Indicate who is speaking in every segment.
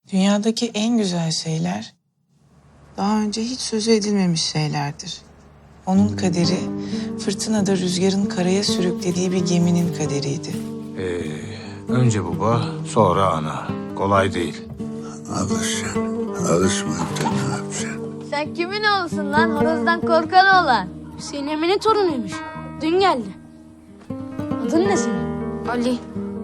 Speaker 1: Dünyadaki en güzel şeyler daha önce hiç sözü edilmemiş şeylerdir. Onun kaderi fırtınada rüzgarın karaya sürüklediği bir geminin kaderiydi.
Speaker 2: Önce baba, sonra ana. Kolay değil.
Speaker 3: Alışacaksın. Alışmayınca ne yapacaksın?
Speaker 4: Sen kimin oğlusun lan? Horozdan korkan oğlan.
Speaker 5: Hüseyin Emin'in torunuymuş. Dün geldi. Adın ne senin?
Speaker 4: Ali.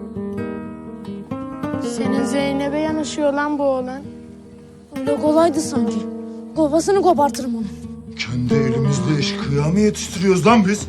Speaker 5: Senin Zeynep'e yanaşıyor lan bu oğlan. Öyle kolaydı sanki. Kafasını kopartırım onu.
Speaker 6: Kendi elimizle eşkıya mı yetiştiriyoruz lan biz?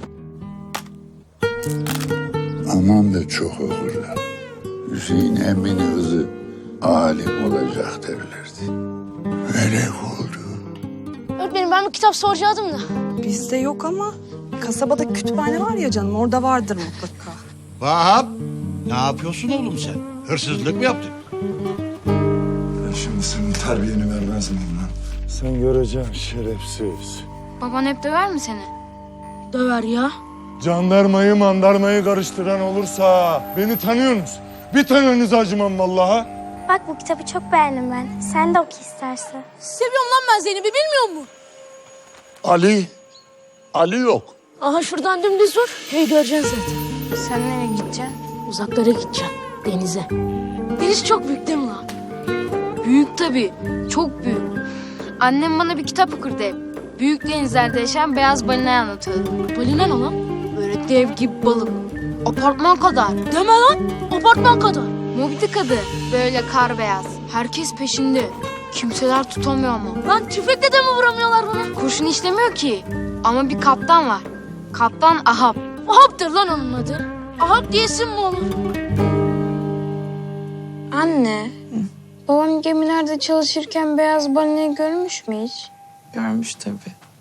Speaker 3: Aman da çok okurlar. Hüseyin emminin kızı alim olacak derlerdi. Melek oldu.
Speaker 5: Öğretmenim ben bir kitap soracaktım da.
Speaker 7: Bizde yok ama kasabada kütüphane var ya canım, orada vardır mutlaka.
Speaker 8: Vahap, ne yapıyorsun oğlum sen? Hırsızlık mı yaptın?
Speaker 6: Ben şimdi senin terbiyeni vermez miyim lan? Sen göreceksin şerefsiz.
Speaker 4: Baban hep döver mi seni?
Speaker 5: Döver ya.
Speaker 6: Jandarmayı mandarmayı karıştıran olursa beni tanıyorsunuz. Bir tanenize acımam vallahi.
Speaker 9: Bak bu kitabı çok beğendim ben. Sen de oku istersen.
Speaker 5: Seviyorum lan ben Zeynep'i bilmiyor musun?
Speaker 8: Ali yok.
Speaker 5: Aha şuradan dümdüz vur. Hey göreceksin zaten.
Speaker 4: Sen nereye gideceksin?
Speaker 5: Uzaklara gideceksin. Denize. Deniz çok büyük değil mi lan?
Speaker 4: Büyük tabii. Çok büyük. Annem bana bir kitap okurdu hep. Büyük denizlerde yaşayan beyaz balinayı anlatıyordu.
Speaker 5: Balina ne lan?
Speaker 4: Böyle dev gibi balık. Apartman kadar.
Speaker 5: Deme lan. Apartman kadar.
Speaker 4: Moby Dick adı. Böyle kar beyaz. Herkes peşinde. Kimseler tutamıyor ama.
Speaker 5: Lan tüfekle de mi vuramıyorlar bunu?
Speaker 4: Kurşun işlemiyor ki. Ama bir kaptan var. Kaptan Ahab.
Speaker 5: Ahab'dır lan onun adı. Ahab diyesin mi olur?
Speaker 9: Anne, babam gemilerde çalışırken beyaz balinayı görmüş mü hiç?
Speaker 1: Görmüş tabii.